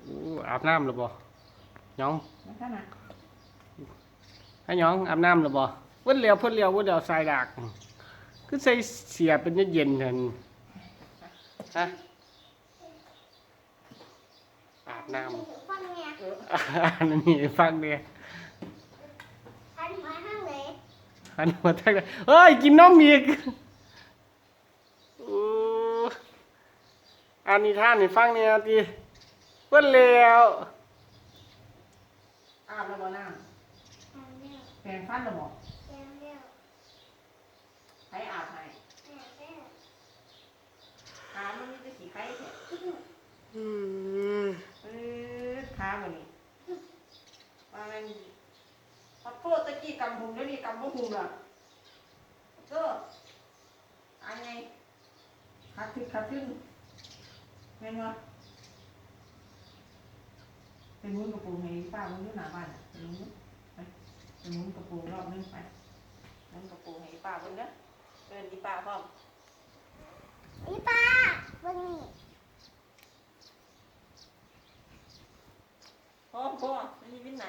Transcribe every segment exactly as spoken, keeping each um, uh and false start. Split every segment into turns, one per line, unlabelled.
อู้อาบน้ำหรือบ่น้อง
นะคะนะ
ให้น้องอาบน้ำหรือบ่เพิ่นเลี้ยวเพิ่นเลี้ยวเพิ่นเลี้ยวสายดากคือใส่เสียเป็นเย็นๆนั่นฮะอาบน้ำ
ฟังเนี่ย
อันนี้ฟังเนี่ย
อันมาห้างไหน
อันหัวแทกเลยเฮ้ยกินนมอีกอู้อันนี้ท่านนี่ฟังเนี่ยทีเพิ่นเลี้ยว
อาบแล้วบ่น้
ทางเดียว
ำแปรงฟันแล้วบ่
ทางเดียว
ใครอาบให้
ทางเดียว
ขามันมีแต่สีไข่แท้
อืม
เออขาบ่นี่ว่ามันพอโทษตะกี้กำหุมเดี๋ยวนี้กำบ่หุมล่ะเอออันไงขาขึ้นขาขึ้นแม่นบ่เป็นมุ้งกระโปรงให้ป้ามุ้งอยู่หน้าบ้านน่ะเป็นมุ้งไปเป็นมุ้งกระโปรงรอบนึงไปมุ้งกระโปรงให้ป้าเบิ่งเด้อเอิ้นอีป้าพร้อม
นี่ป้าวันนี้
พ่อพ่อไม่มีวินนา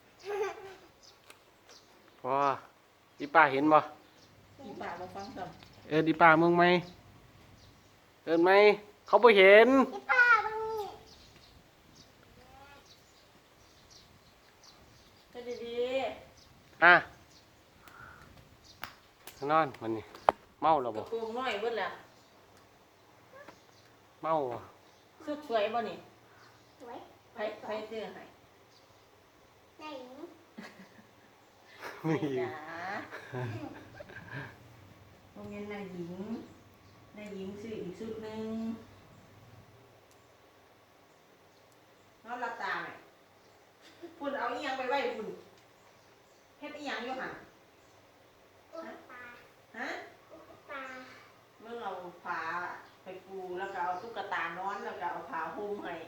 พออีป้าเห็นบ่
อีป้ามาฟังซ้
เอิ้นอีป้ามึงไหมเอิ้นไหมเขาบ่เห็น
นี่ป้าวันนี้
ำก็ดี
อ่ะนอนมันนี่เมาแล้
ๆก
วบ่
ระโปรงน้อยเบิดล่ะ
เมาบ่
สุดสวยบ่นี่
สวย
ไผไผซื้อให้
ไหน
ไม่
จ๋าโรงเรียนนายหญิงนายหญิงซื้ออีกชุดหนึงนอนหลับตาไหมพุ่นเอาอีหยังไปไว้พุ่นเฮ็ดอีหยังอยู่หั่น
อุ๊บตา
ฮะ
อุ๊บตา
เมื่อเอาผ้าไปปูแล้วก็เอาตุ๊กตานอนแล้วก็เอาผ้าห่มให้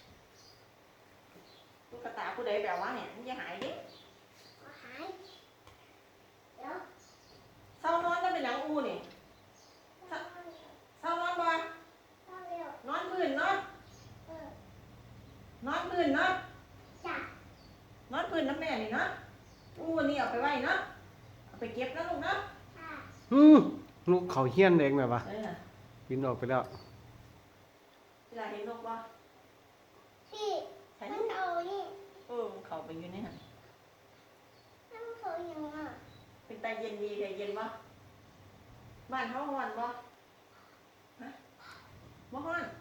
ตุ๊กตาผู้ใดแบบว่าเนี่ยมันจะหายดิ
ก็หายเดี๋ยว
เศร้านอนก็เป็นหนังอูนี่เศร้านอนบ่
เข้าเร็วน
อนพื้นเนาะ
เออน
อนพื้นเนาะ
จ้ะ
นอนพื้นน้ำแม่นี่เนาะอูนี่เอาไปไว้เนาะเอาไปเก็บนะลูกเนาะ
ค่ะ
อืมลูกเขาเฮี้ยนเองแบบว่า
เออ
บินออกไปแล้ว
เวลาเห็นนกบ่
พี่
ใช่
มันเขานี่
เออเขาไปอยู่ในหัน
มันเขาอย่างอ่ะ
เป็นตาเย็นดีแต่เย็นบ่บ้านเขาฮ้อนบ่ฮะบ่ฮ้อน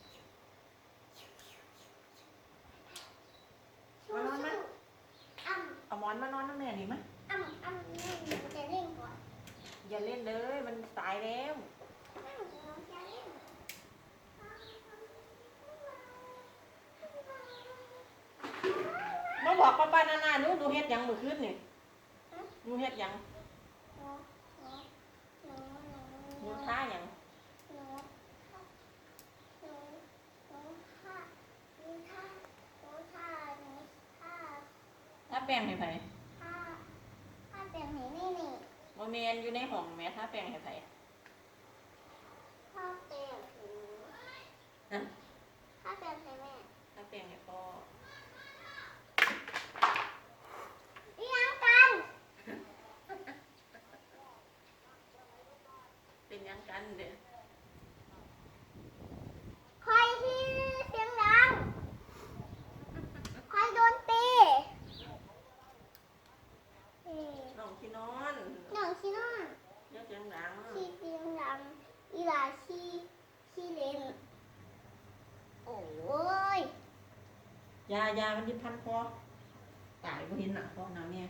มานอนไหม
อ้ำ
เอาหมอนมานอนน้ำแม่นี่ไหม
อ้ำอ้ำนี่มันจะเล่นก่อน
อย่าเล่นเลยมันสายแล้ว
อ้ำมันจะเล่น
มาบอกป้าป้านานาหนูหนูเฮ็ดหยังมื้อคืนนี่หนูเฮ็ดหยัง
หนูหนูหนูหนู
หนูท่าหยัง
หนูหนูหนูท่าหนูท่าหนูท่าหนูท่า
ถ้าแป้งให้ไผ
ท่าท่าเป็นไหนนี่นี่
บ่แม่นอยู่ในห้องแม่ถ้าแป้งให้ไผ
ท่าเป็นหู
นะ
ท่าเป็นไหนแม่
ถ้าแป้งให้พ่อ
เลี้ยงกัน
เป็นหยังกันเด้อ
คอยที่เสียงดังคอยโดนตีเอ้ย
น้องที่นอน
หนังชีนอน
อย่าเสียงดัง
ชีเสียงดังอีหลาชีชีเลนโอ้ย
ยายามันสิพันคอตายบ่เห็นหน้าพ่อหน้าแม่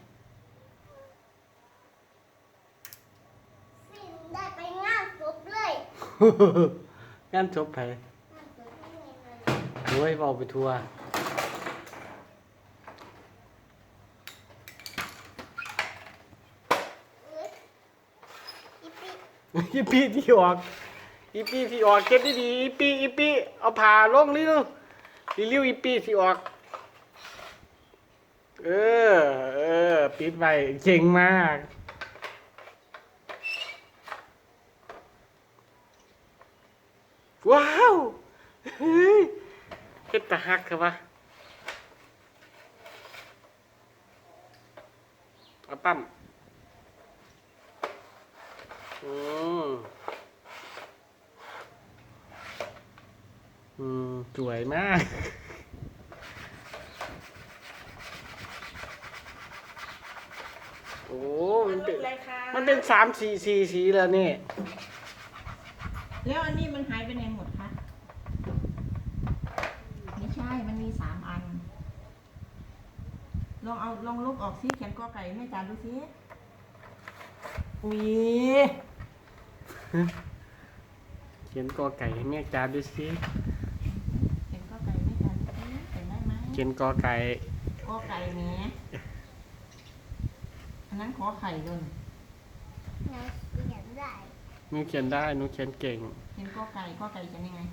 สิ้นได้ไปงานศพเลย
งานจบไป
งานศพไม่มีเลย
โอ้ยเอาไปทัวร์
เอ้ยอีปิ
อีปีที่ออกอีปีที่ออกเก็บดีๆอีปีอีปีเอาผ่าลงนี่ลูกรีวิวอีปีที่ออก เออ เออ ปิดไว้เจ๋งมาก ว้าว เฮ้ยเฮ็ดตาฮักครับวะเอาปั้มอืมอืมสวยมากโอ้มันเป็น
อะไรคะ
มันเป็นสามสีสีสีแล้วนี่
แล้วอันนี้มันหายไปไหนหมดคะไม่ใช่ มันมีสามอัน ลองเอาลองลบออกซิเขียนกอไก่แม่จานดูซิอุ้ย
เขียนกอไก่ให้แม่จาดูสิ
เขียนกอไก่แม่จานดูซิเขียนได้ไหม
เขียนกอไก่
กอไก่เนี้ยอันนั้นขอไข่เลย
หนูเขียนได้
หนูเขียนได้หนูเขียนเก่ง
เขียนกอไก่กอไก่เขียนยังไง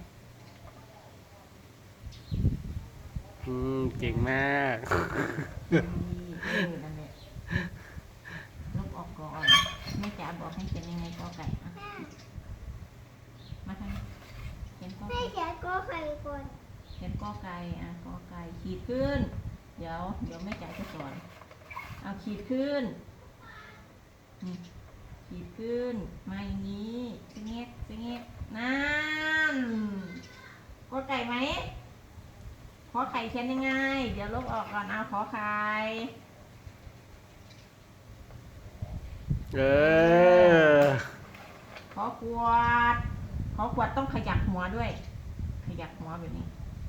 อืมเก่งมาก
ดีเออนั่นแหละลบออกก่อนแม่จ๋าบอกให้เขียนยังไงกอไก่อ่ะ
แม่
มาทางนี้เขียนกอ
แม่
ไก่
เขียนก็ใครก่อน
เขียนกอไก่อ่ะกอไก่ขีดขึ้น เดี๋ยวเดี๋ยวแม่จ๋าจะสอนเอาขีดขึ้นนี่ขีดขึ้นมาอย่างนี้สิเงกสิเงกนั่นกอไก่ไหมขอไข่เขียนยังไง เดี๋ยวลบออกก่อนเอาขอไข่
เออ
ขอขวด ขอขวดต้องขยับหัวด้วย ขยับหัวแบบนี้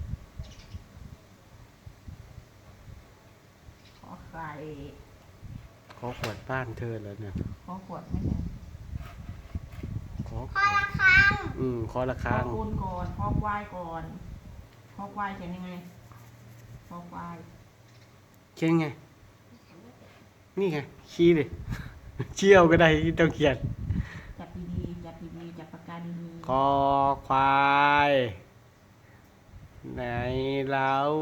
ขอไข่
ขอขวดบ้านเธอแล้วเนี่ย
ขอขวดไม่ใช่
ขอ
พอละครั้ง
อืมขอละ
ข
ครั
อง คูณก่อนขอควายก่อนขอควายเขียนยังไงขอควาย
เขียนไง นี่ไงชี้เลย เชี่ยวก็ได้ที่ต้องเขียน
จับดีๆจับดีๆจับปากกาดี
คอควาย ไหนเรา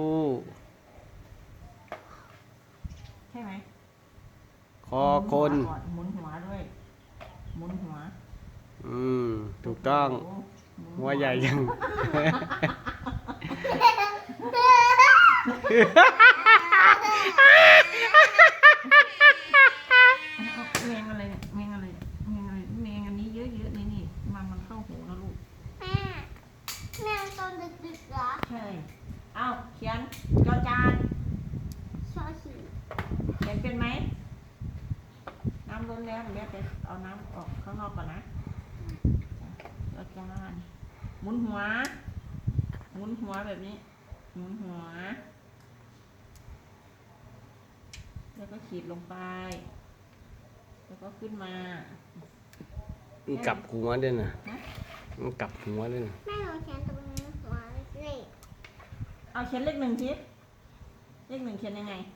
ๆใช่ไหม
คอคน
หมุนหัวก่อนหมุนหัวด้วย หมุนหัว
อืมถูกต้อง
โโมุน
หัวใหญ่ยัง
เอาแมงอะไรเนี่ยแมงอะไรแมงอะไรแมงอันนี้เยอะๆนี่นี่มันมันเข้าหูนะลูก
แม่แม่ตอนดึกๆเหรอ
ใช่เอาเขียนจอจาน
ชอฉี
เขียนเป็นไหมน้ำล้นแล้วเดี๋ยวไปเอาน้ำออกข้างนอกก่อนนะจอจานหมุนหัว หมุนหัวแบบนี้ หมุนหัว แล้วก็ขีดลงไป แล้วก็ขึ้นมา
มันกลับหัวด้วยนะ
ฮะ
มันกลับหัวด้วยนะ
แม่หนูเขียนตรงนี้หัวเลข
เอาเขียนเลขหนึ่งทีเลขหนึ่งเขียนยังไง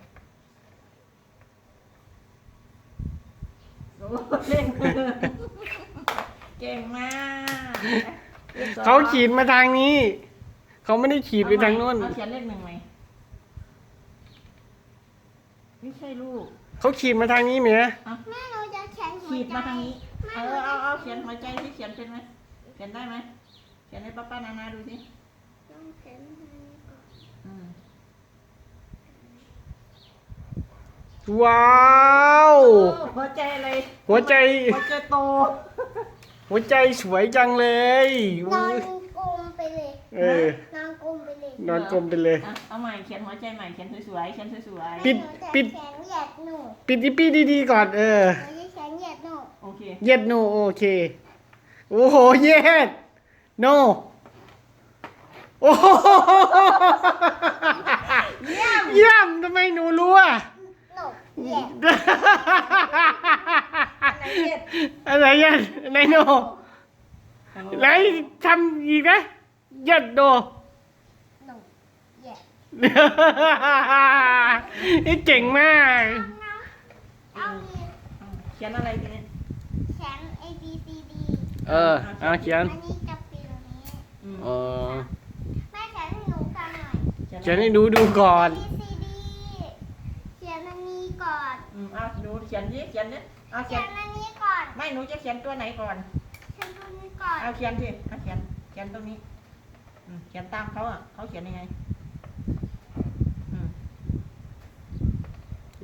โอ้เลขหนึ่งเก่งมากลขสอง
เขาขีดมาทางนี้ เขาไม่ได้ขีดไปทางโน้น
เอาเขียนเลขหนึ่งไหมไม่ใช่ลูก
เขาขีดมาทางนี้เหมีย
เอา
แม่หนูจะเขียนหัว
ขีด
ใจ
มาทางนี้
แม่
เอ
หนู
อ
จะ
เอาเอาเขียนหัวใจที่เขียนเป็นไหมเขียนได้ไหมเขียนให้ป้าป้านานาดูสิ
ต้องเขียนทางนี้ก่อน
อืม
ว้าว
หัวใจอะไร
หัวใจ
หัวใจโต
หัวใจสวยจังเลย
นอน
อุ๊ย
กลมไปเลย
เออ
นอนกลมไปเลย
นอนกลมไปเลย
อ่ะเอาใหม่เขียนหัวใจใหม่เขียนสวยๆเขียนสวย
ปิด
แม่หนูจะ
ปิด
เขียนเหยียดหนู
ปิดอีปี้ดีๆก่อนเออ
หนูจะเขียนเหยียดหนู
ๆโอเค
เย็ดโนโอเค โอ้โห เย็ดโนโอ้โห
เยี่ยม
เยี่ยมทำไมหนูรู้อ่ะ
หนูเหยียด
อะไรเย็ด
อะไรเย็ดอะไรโนไหนทำอีกนะเย็ดโน
หนูเหยียด
นี่เจ๋งมาก
เอาอีก
เขียนอะไรทีนี้
เขียน A B C D
เออเอาเขียน
อันนี้กับปีนี้
อืม
เออ
แม่เขียนให้หนูฟังหน่อย
เขียนให้ดูดูก่อน
A B C D เขียนอันนี้ก่อน
อืมเอาดูเขียนดิเขียนดิเอาเขี
เขี
ย
ย
น
นอันนี้ก่อน
ไม่หนูจะเขียนตัวไหนก่อน
เขียนตัวนี้ก่อน
เอาเขียนสิเอาเขียนเขียนตรงนี้อืมเขียนตามเขาอ่ะเขาเขียนยังไง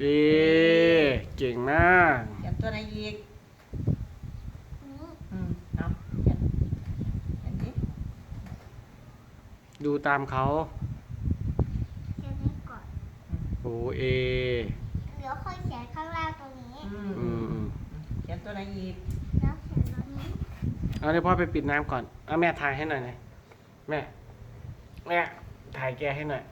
เอเก่งมาก
เขียนตัวไหนอีก
อืม
อืมเอาเขียนเขียนดิ
ดูตามเขา
เขียนให้ก่อน
โอเอ
เดี๋ยวค่อยเขียนข้างล่างตรงนี้
อืม
อื
อื
ม
ม
อืม
เขียนตัวไหนอีก
แล้วเขียนตรงนี้
เอาเดี๋ยวพ่อไปปิดน้ำก่อนเอาแม่ถ่ายให้หน่อยนะแม่แม่ถ่ายแกให้หน่อย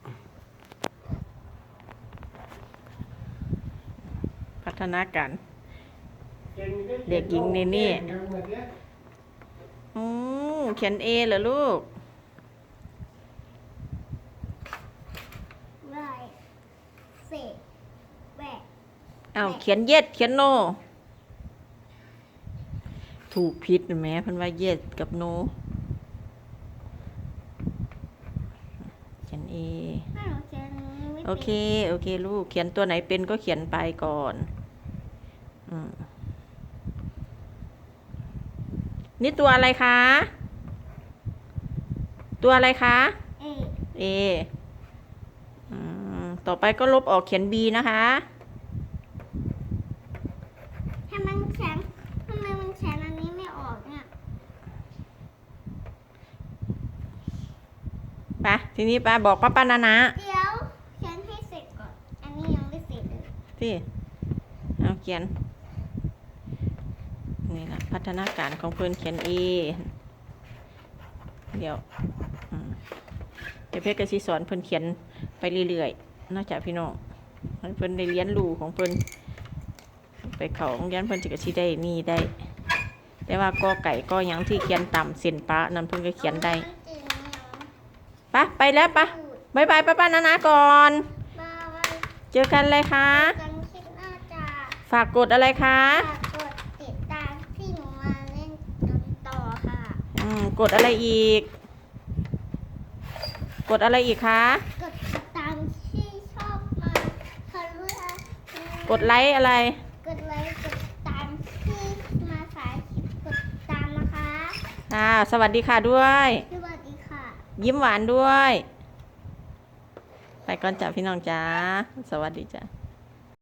พัฒนาการ เด็กหญิงเนเน่ อืมเขียนเอเหรอลูก
ไรเศษแหวก
อ้าวเขียนเย็ดเขียนโน ถูกผิดแหมเพันว่าเย็ดกับโน เขียนเอ
ถ้าหนูเขียนนี้ไม่
โอ
เป็น
เค โอเคลูก เขียนตัวไหนเป็นก็เขียนไปก่อนอืมนี่ตัวอะไรคะ ตัวอะไรคะ
เอ
เออืมต่อไปก็ลบออกเขียน B นะคะ
ถ้ามันแข็งทำไมมันแข็งอันนี้ไม่ออกเนี่ย
ไป ทีนี้ป้าบอกป้าป้านานะ
เดี๋ยวเขียนให้เสร็จก่อน อันนี้ยังไม่เสร็จเลย
ที่เอาเขียน นี่แหละพัฒนาการของเพื่อนเขียน A เดี๋ยวอืมเดี๋ยวเพชรกสิสอนเพื่อนเขียนไปเรื่อยๆนอกจากพี่น้องให้เพื่อนได้เรียนรู้ของเพื่อนไปเขาโรงเรียนเพื่อนจะกสิได้นี่ได้ แต่ว่ากอไก่ก็ยังที่เขียนต่ำเส้นปะนั่นเพื่อนก็เขียนได้
มันจืดเหนียว
ปะไปแล้วปะบายบายป้าป้านานะก่อน
บ้าไว้
เจอกันเลยคะ
กันคิดน่าจะ
ฝากกดอะไรคะ
ฝากกดติดตามที่หนูมาเล่นกันต่อค่ะ
อืมกดอะไรอีก กดอะไรอีกคะ
กดติดตามที่ชอบมาเขารู้อะ
กดไลค์อะไร
กดไลค์กดติดตามที่มาสายคลิปกดติดตามนะคะ
อ่าสวัสดีค่ะด้วย
สวัสดีค่ะ
ยิ้มหวานด้วย ไปก่อนจ้ะพี่น้องจ้าสวัสดีจ้ะ